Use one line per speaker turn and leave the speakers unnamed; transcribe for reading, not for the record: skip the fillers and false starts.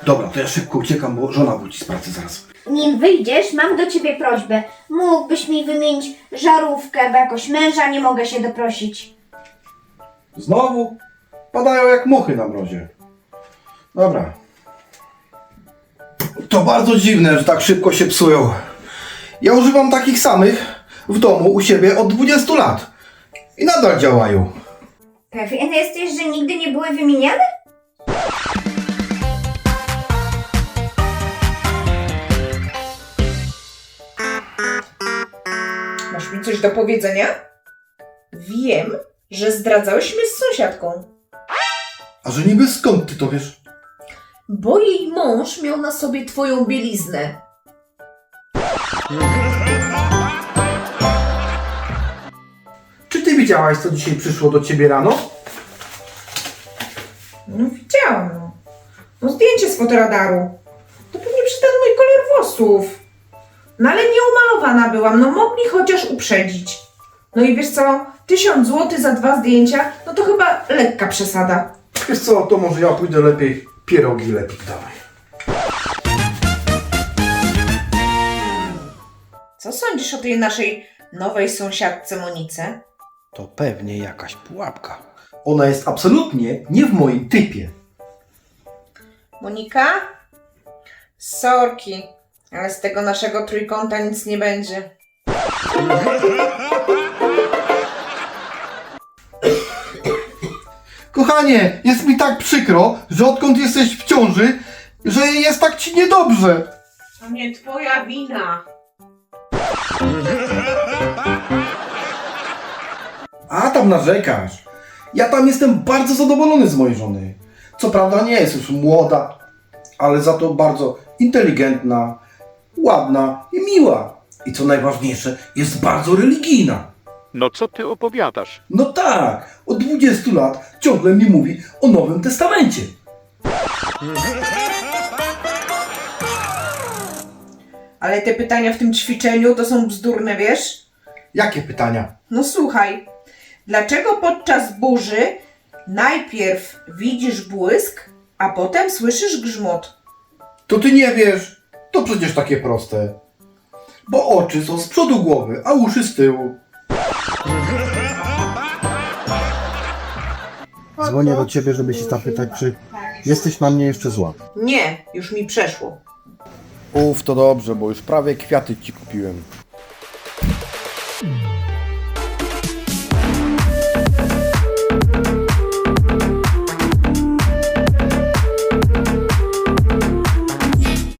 Dobra, to ja szybko uciekam, bo żona wróci z pracy zaraz.
Nim wyjdziesz, mam do ciebie prośbę. Mógłbyś mi wymienić żarówkę, bo jakoś męża nie mogę się doprosić.
Znowu? Padają jak muchy na mrozie. Dobra. To bardzo dziwne, że tak szybko się psują. Ja używam takich samych w domu u siebie od 20 lat. I nadal działają.
Pewien jesteś, że nigdy nie były wymieniane?
Masz mi coś do powiedzenia? Wiem, że zdradzałeś mnie z sąsiadką,
A że niby skąd ty to wiesz?
bo jej mąż miał na sobie twoją bieliznę.
Czy ty widziałaś, co dzisiaj przyszło do ciebie rano?
No widziałam, no. No zdjęcie z fotoradaru. To pewnie przy ten mój kolor włosów. No ale nieumalowana byłam, no mogli chociaż uprzedzić. No i wiesz co, 1000 zł za 2 zdjęcia, no to chyba lekka przesada.
Wiesz co, to może ja pójdę lepiej pierogi lepiej dawaj.
Co sądzisz o tej naszej nowej sąsiadce Monice?
To pewnie jakaś pułapka. Ona jest absolutnie nie w moim typie.
Monika? Sorki, ale z tego naszego trójkąta nic nie będzie.
Kochanie, jest mi tak przykro, że odkąd jesteś w ciąży, że jest tak ci niedobrze.
To nie twoja wina.
A tam narzekasz. Ja tam jestem bardzo zadowolony z mojej żony. Co prawda nie jest już młoda, ale za to bardzo inteligentna, ładna i miła. I co najważniejsze, jest bardzo religijna.
No co ty opowiadasz?
No tak, od 20 lat ciągle mi mówi o Nowym Testamencie.
Ale te pytania w tym ćwiczeniu to są bzdurne, wiesz?
Jakie pytania?
No słuchaj, dlaczego podczas burzy najpierw widzisz błysk, a potem słyszysz grzmot?
To ty nie wiesz. To przecież takie proste. Bo oczy są z przodu głowy, a uszy z tyłu.
Dzwonię do ciebie, żeby się zapytać, czy jesteś na mnie jeszcze zła.
Nie, już mi przeszło.
To dobrze, bo już prawie kwiaty ci kupiłem.